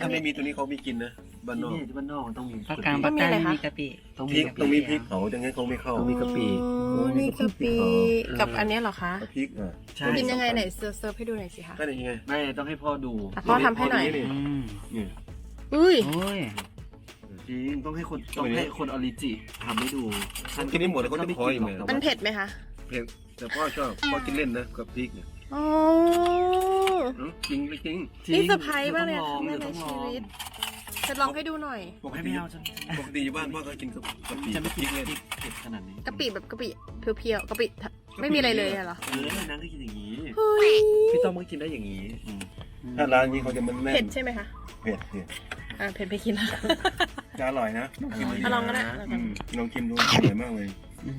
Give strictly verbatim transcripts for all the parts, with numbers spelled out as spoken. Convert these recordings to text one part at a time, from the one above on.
ถ้าไม่มีตัวนี้เขาไม่กินนะบ้านนอกที่บ้านนอกมันต้องมีภาคกลางภาคใต้มีกะปิต้องพมีริกกะต้องปิมีพริกเผาอย่างงั้นเขาไม่เข้าต้องมีกะปิอ๋อนี่กะปิกับอันเนี้ยเหรอคะพริกอ่ะใช่กินยังไงไหนเซิร์ฟเซิร์ฟให้ดูหน่อยสิคะก็ได้ยังไงไม่ต้องให้พ่อดูอ่ะพ่อทำให้หน่อยนี่อืมนี่อุ้ยโอ้ยจริงต้องให้คนต้องให้คนออริจิทำให้ดูกินได้หมดเลยเขาจะขออีกไหมมันเผ็ดไหมคะเผ็ดแต่พ่อชอบพ่อกินเล่นนะกับพริกเนี่ยอ๋ออืมจริงจริงนี่เซอร์ไพรส์มากเลยต้ค่ะองแม่ลในองชีวิตจะลองให้ดูหน่อยปกให้ติไม่เอาฉันปกติอยู่บ้านพ่อก็กินกับกับพริกฉันไม่พกิรินกเลยพริกเผ็ดขนาดนี้กะปิแบบกะปิเพียวๆกะปิไม่มีอะไรเลยอะเหรอเออนั่งก็กินอย่างนี้เฮ้ยพี่ต้อมก็กินได้อย่างนี้อืมถ้าร้านนี้เขาจะมันแน่นเผ็ดใช่ไหมคะเผ็ดเนี่ยอ่าเผ็ดไปกินแล้วจะอร่อยนะลองกินดูอ่ะลองก็ได้อืมลองกินดูอร่อยมากเลยอื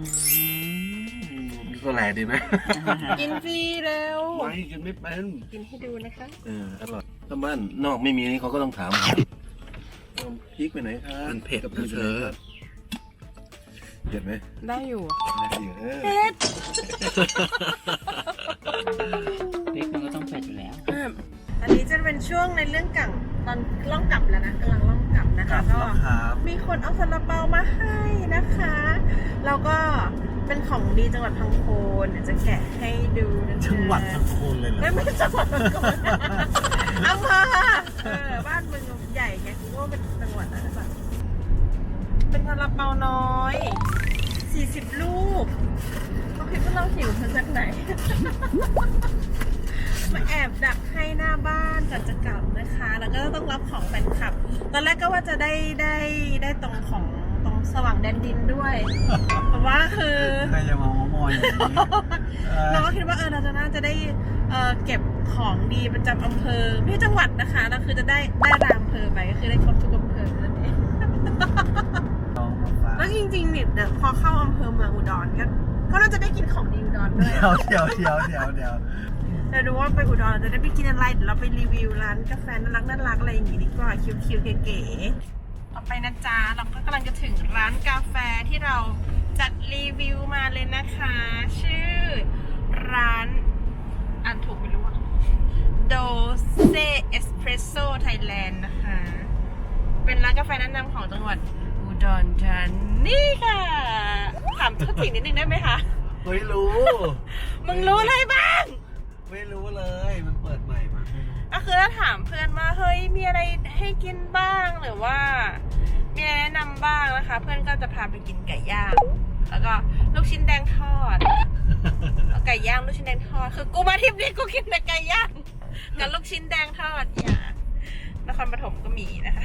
มก็แหลดีไหมกินฟรีเร็วไม่กินไม่เป็นกินให้ดูนะคะเอออร่อยถ้าบ้านนอกไม่มีนี่เขาก็ต้องถามเอาพริกไปไหนครับมันเผ็ดกับนะเธอเผ็ดไหมได้อยู่เออเผ็ดพริกมันก็ต้องเผ็ดอยู่แล้วอันนี้จะเป็นช่วงในเรื่องกั่งตอนล่องกลับแล้วนะกำลังล่องกลับนะคะก็ครับมีคนเอาซาลาเปามาให้นะคะแล้วก็เป็นของดีจังหวัดพังโคนเดี๋ยวจะแกะให้ดูนะจ๊ะจังหวัดพังโคนเลยเหรอไม่ไม่ใช่จังหวัดพังโคนอำเภอเออบ้านมึงใหญ่ไงกูว่าเป็นจังหวัดอะไรแบบเป็นซาลาเปาน้อยสี่สิบลูกเขาคิดว่าเราหิวมาจากไหน มาแอบดักให้หน้าบ้านก่อนจะกลับนะคะ แล้วก็ต้องรับของแฟนคลับ ตอนแรกก็ว่าจะได้ได้ได้ตรงของตรงสว่างแดนดินด้วย แต่ว่าคือใครจะมามามอยอย่างนี้เราก็คิดว่าเออเราจะน่าจะได้เออเก็บของดีประจำอำเภอไม่ใช่จังหวัดนะคะแล้วคือจะได้ได้รามอำเภอไปก็คือได้ครบทุกอำเภอนั่นเองลองมาฝากแล้วจริงๆเนี่ยเดี๋ยวพอเข้าอำเภอเมืองอุดรก็ก็น่าจะได้กินของดีอุดรด้วยเดี๋ยวเดี๋ยวเดี๋ยวเดี๋ยวเดี๋ยวเราดูว่าไปอุดรเราจะได้ไปกินอะไรเดี๋ยวเราไปรีวิวร้านกาแฟน่ารักน่ารักอะไรอย่างงี้ดีกว่าคิวๆเก๋ๆต่อไปนะจ๊ะเราก็กำลังจะถึงร้านกาแฟที่เราจัดรีวิวมาเลยนะคะ ชื่อร้านอ่านถูกไม่รู้อะ Doce Espresso Thailand นะคะ เป็นร้านกาแฟแนะนำของจังหวัดอุดรธานีค่ะถามทุกสิ่งนิดนึงได้ไหมคะไม่รู้มึงรู้อะไรบ้างไม่รู้เลยมันเปิดใหม่มาก็คือถ้าถามเพื่อนว่าเฮ้ยมีอะไรให้กินบ้างหรือว่ามีอะไรแนะนำบ้างนะคะ เพื่อนก็จะพาไปกินไก่ย่างแล้วก็ลูกชิ้นแดงทอดเอาไก่ย่างลูกชิ้นแดงทอดคือกูมาทริปนี้กูกินแต่ไก่ย่างกับลูกชิ้นแดงทอดอย่านครปฐมก็มีนะคะ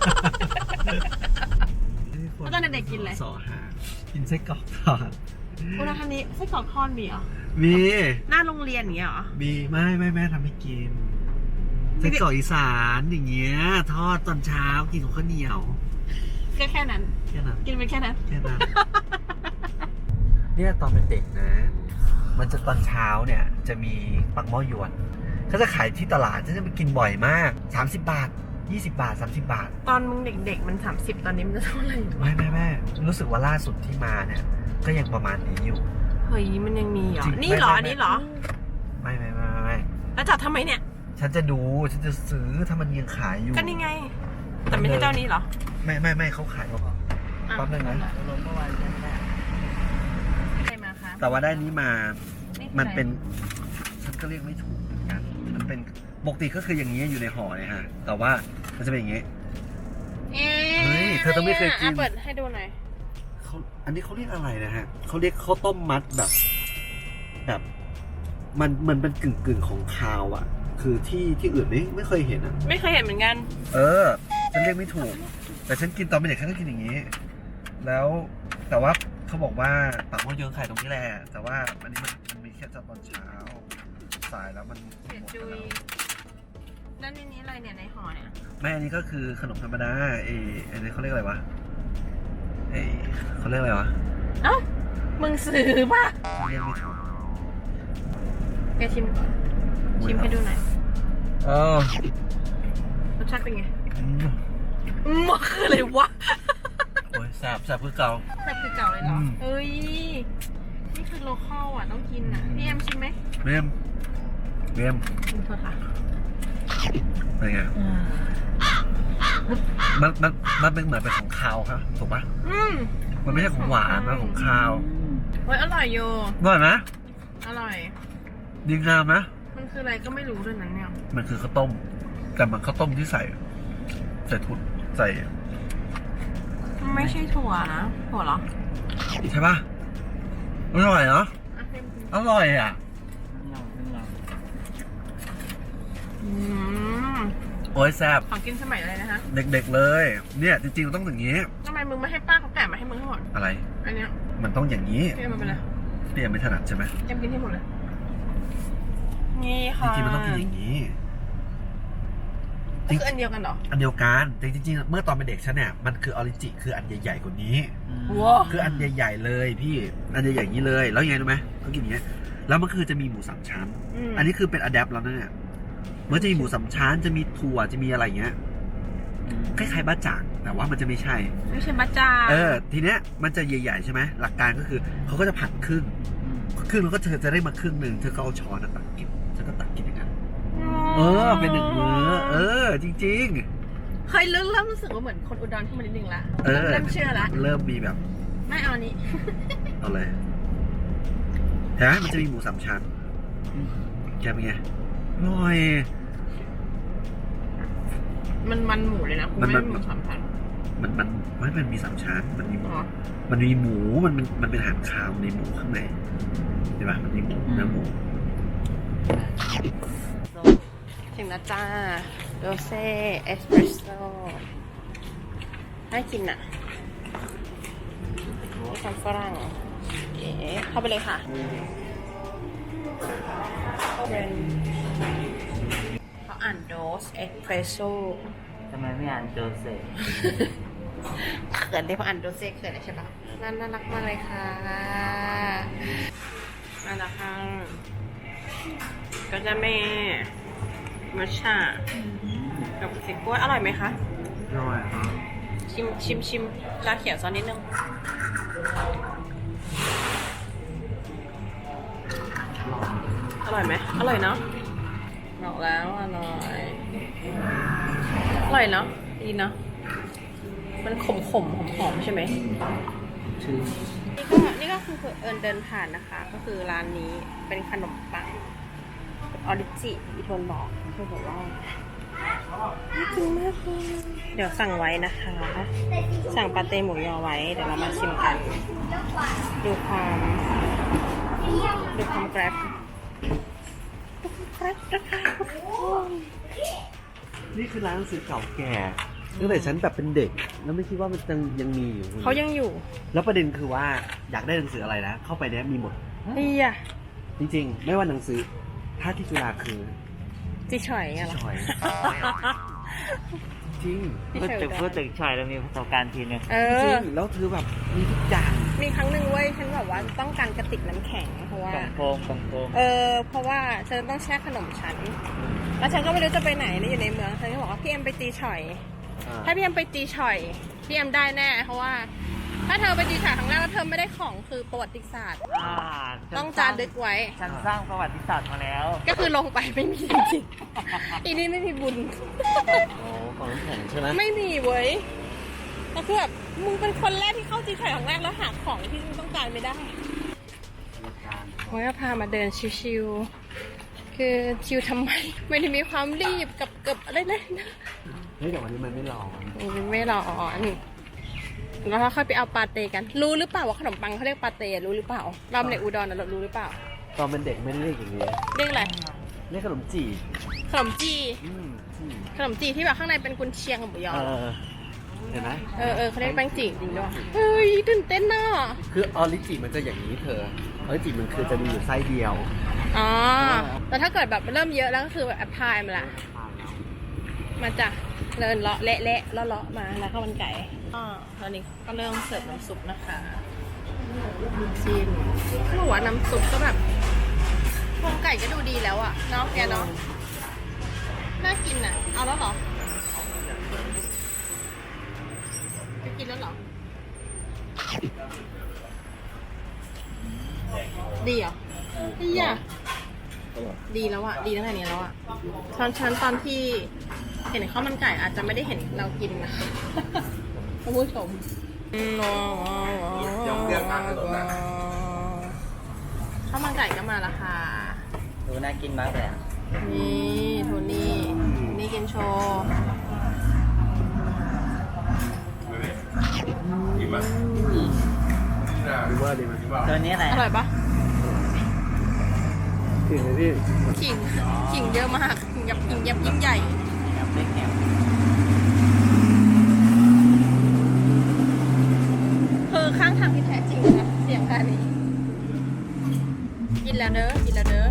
แล้วตอนเด็กๆกินอะไรสอหากินไส้กรอกทอดอุดรธานีไส้กรอกทอดมีเหรอมีหน้าโรงเรียนอย่างเงี้ยเหรอมีไม่ไม่แม่ทำให้กินไส้กรอกอีสานอย่างเงี้ยทอดตอนเช้ากินกับข้าวเหนียวก็แค่นั้นแค่นั้นกินไปแค่นั้นแค่นั้น เนี่ยตอนเป็นเด็กนะ มันจะตอนเช้าเนี่ยจะมีปักหม้อยวนเขาจะขายที่ตลาดฉันจะไปกินบ่อยมากสามสิบบาทยี่สิบบาทสามสิบบาทตอนมึงเด็กๆมันสามสิบตอนนี้มันจะเท่าไหร่ไม่ไม่ไม่รู้สึกว่าล่าสุดที่มาเนี่ย ก็ยังประมาณนี้อยู่เฮ้ยมันยังมีเหรอจริงนี่เหรอไม่ไม่อันนี้เหรอไม่ไม่ไม่ไม่ไม่แล้วจัดทำไมเนี่ยฉันจะดูฉันจะซื้อถ้ามันยังขายอยู่ก็นี่ไง แต่ไม่ใช่เจ้านี้เหรอไม่ไม่ไม่เขาขายมาก่อนแป๊บนึงนะลงเมื่อวานใช่ไหมใครมาคะแต่ว่าได้นี้มาคือมันอะไรเป็นฉันก็เรียกไม่ถูกเหมือนกันมันเป็นปกติก็คืออย่างนี้อยู่ในห่อเนี่ยฮะแต่ว่ามันจะเป็นอย่างนี้เอ๊ะเฮ้ยเธอต้องไม่เคยกินอ่ะเปิดให้ดูหน่อยเขาอันนี้เขาเรียกอะไรนะฮะเขาเรียกข้าวต้มมัดแบบ แบบ มันมันเป็นกึ่งกึ่งๆของคาวอ่ะ คือที่ที่อื่นไม่ไม่เคยเห็นอ่ะไม่เคยเห็นเหมือนกันเออ ฉันเรียกไม่ถูก แต่ฉันกินตอนเป็นเด็กฉันก็กินอย่างนี้ แล้วแต่ว่าเขาบอกว่าปากหม้อเยิงขายตรงนี้แหละ แต่ว่าอันนี้มันมันมีแค่ตอนเช้า สายแล้วมันเสียหมดจุไปยแล้วแล้วในนี้อะไรเนี่ยในห่อเนี่ยไม่อันนี้ก็คือขนมธรรมดาเอออันนี้เขาเรียกอะไรวะเออเขาเรียกอะไรวะเอ้า มึงซื้อป่ะเรียกไม่ถูกแกชิมก่อนชิมให้ดูหน่อยเออรสชาติเป็นไงอืมอืมมันคืออะไรวะโอ้ยแสบแสบคือเก่าแบบคือเก่าเลยเหรออืมเอ้ย นี่คือโลคอลอ่ะต้องกินอ่ะ พี่แอมชิมไหมเรียมเรียมชิมเถอะค่ะเป็นไงมันมันมันเป็นเหมือนเป็นของคาวครับถูกปะอืมมันไม่ใช่ของหวานมันของคาวเฮ้ยอร่อยโยอร่อยไหมอร่อยดีงามนะมันคืออะไรก็ไม่รู้ด้วยนั้นเนี่ยมันคือข้าวต้ม แต่มันข้าวต้มที่ใส่ ใส่ทุนใส่ไม่ใช่ถั่วนะถั่วเหรอใช่ปะอร่อยเนาะอ่ะเพิ่มกินอร่อยอ่ะอืมโอ้ยแซ่บของกินสมัยอะไรนะคะเด็กๆเลย เนี่ยจริงๆมันต้องอย่างนี้ทำไมมึงไม่ให้ป้าเขาแกะมาให้มึงทั้งหมดอะไรอันเนี้ยมันต้องอย่างนี้พี่เอามาเป็นไรพี่ยังไม่ถนัดใช่ไหมจำกินให้หมดเลย นี่จค่ะริงๆมันต้องกินอย่างนี้ก็คืออันเดียวกันเหรออันเดียวกันแต่จริงๆ เมื่อตอนเป็นเด็กฉันเนี่ย มันคือออริจิคืออันใหญ่ๆกว่านี้ว้าคืออันใหญ่ๆเลยพี่ อันใหญ่ๆอย่างนี้เลย แล้วยังไงรู้ไหมเขากินอย่างเงี้ย แล้วมันคือจะมีหมูสามชั้น อันนี้คือเป็นอะแดปแล้วนะเนี่ยมันจะมีหมูสามชั้น จะมีถั่ว จะมีอะไรอย่างเงี้ย คล้ายๆบ้าจ่าง แต่ว่ามันจะไม่ใช่ไม่ใช่บัจจาเออ ทีเนี้ยมันจะใหญ่ๆใช่ไหม หลักการก็คือเขาก็จะผัดครึ่ง ครึ่งแล้วก็เธอจะได้มาครึ่งหนึ่งเธอก็เอาช้อนตักกินฉันก็ตักกินอย่างนั้น เออ เป็นหนึ่งมื้อ เออ จริงเคยเริ่มเริ่มรู้สึกว่าเหมือนคนอุดรขึ้นมานิดนึงละๆ เออเริ่มเชื่อละเริ่มมีแบบไม่เอาอันนี้เอาเลยเห็นไหมมันจะมีหมูสามชั้นแกเป็นไงอร่อยมันมันหมูเลยนะคุณมันไม่มันหมูสามพันมันมันมันมันมีสามชั้น มันมีหมูอ๋อมันมีหมู มันมันมันเป็นอาหารคาวในหมูข้างในเห็นปะมันมีหมูเนื้อหมูถึงแล้วจ้าโดเซ่เอสเปรสโซ่น่ากินอ่ะนี่คำฝรั่งเอ๋เข้าไปเลยค่ะเป็นเขาอ่านโดสเอสเปรสโซ่ทำไมไม่อ่านโจเซฟเขินได้เพราะอ่านโดเซ่เขินเลยใช่ปะน่าน่ารักมากเลยค่ะน่ารักค่ะก็จะแม่มัชชากับสิกล้วยอร่อยไหมคะอร่อยชิมชิมชิมลาเขียวซอสนิดนึงอร่อยไหมอร่อยเนาะบอกแล้วอร่อยอร่อยเนาะดีเนาะมันขมขมหอมหอมๆใช่ไหมชื่อนี่ก็นี่ก็คือเอิญเดินผ่านนะคะ ก็คือร้านนี้เป็นขนมปังออริจิอีทนบอกเธอบอกว่าน่ากินมากเลยเดี๋ยวสั่งไว้นะคะ สั่งปาเต้หมูยอไว้ เดี๋ยวเรามาชิมกัน ดูความดูความแกร็บดูความแกร็บนะคะทุกคนนี่คือร้านหนังสือเก่าแก่ตั้งแต่ฉันแบบเป็นเด็ก แล้วไม่คิดว่ามันยังยังมีอยู่เขายังอยู่แล้วประเด็นคือว่าอยากได้หนังสืออะไรนะ เข้าไปเนี้ยมีหมดเฮียจริงๆ ไม่ว่าหนังสือ ถ้าที่จุฬาคือจิฉอยอะเหรอชอย จริงจิพูดฉอยถึงได้พูดถึงชอยแล้วมีประสบการณ์ทีนึงเอจริองแล้วคือแบบมีทุกอย่างมีครั้งหนึ่งเว้ยฉันแบบว่าต้องการกระติกน้ำแข็งเพราะว่ากล่องโฟมกล่องโฟมเออเพราะว่าฉันต้องแช่ขนมฉัน แล้วฉันก็ไม่รู้จะไปไหนนะอยู่ในเมืองฉันก็บอกว่าพี่เอ็มไปตีฉ่อย ถ้าพี่เอ็มไปตีฉ่อยพี่เอ็มได้แน่เพราะว่า ถ้าเธอไปตีฉ่อยครั้งแรกแล้วเธอไม่ได้ของคือประวัติศาสตร์อ่าต้องจารึกไว้ฉันสร้างประวัติศาสตร์มาแล้วก็คือลงไปไม่มีจริงๆอีนี่ไม่มีบุญโอ้ของน้ำแข็งใช่ไหมไม่มีเว้ยแล้วคือแบบมึงเป็นคนแรกที่เข้าตีฉ่อยครั้งแรกแล้วหาของที่มึงต้องการไม่ได้โอ้ยพามาเดินชิวๆคือชิวทำไม ไม่ได้มีความรีบกับกับอะไรเลยนะเฮ้ยแต่วันนี้มันไม่ร้อนไม่ร้อนแล้วเราค่อยไปเอาปาเต้กัน รู้หรือเปล่าว่าขนมปังเขาเรียกปาเต้รู้หรือเปล่าเราในอุดรนะเรารู้หรือเปล่าตอนเป็นเด็กไม่ได้เรียกอย่างนี้เรียกอะไรเรียกขนมจี่ขนมจีอืมจี่ขนมจีที่แบบข้างในเป็นกุนเชียงกับหมูยอเออเห็นไหมเออเออเขาเรียกแป้งจีจริงด้วยเฮ้ยตื่นเต้นน่ะคือออริจิมันจะอย่างนี้เธอออริจิมันคือจะมีอยู่ไส้เดียวอ๋อแต่ถ้าเกิดแบบเริ่มเยอะแล้วก็คือแบบแอปพลายมาละมาจ้ะเดินเลาะเละเละเลาะเลาะมาแล้วข้าวมันไก่อ๋อตอนนี้ก็เริ่มเสิร์ฟน้ำซุปนะคะชิมเขาบอกว่าน้ำซุปก็แบบโครงไก่ก็ดูดีแล้วอะเนาะแกเนาะน่ากินอะเอาแล้วเหรอจะกินแล้วเหรอดีเหรอดีอะอร่อยดีแล้วอะดีตั้งแต่นี้แล้วอะตอนฉันตอนที่เห็นข้าวมันไก่อาจจะไม่ได้เห็นเรากินนะ ท่านผู้ชมยังเรียกทางถนนนะข้าวมันไก่ก็มาและค่ะดูน่ากินมากเลยอ่ะนี่โทนี่นี่กินโชว์ดีมากดีมากดีมากตัวนี้อะไรอร่อยปะถึงเลยพี่ขิงขิงเยอะมากขิงยับขิงยับยิ่งใหญ่ครับเล็กแหนมคือข้างทางที่แท้จริงนะเสียงการนี้ กินแล้วเด้อกินแล้วเด้อ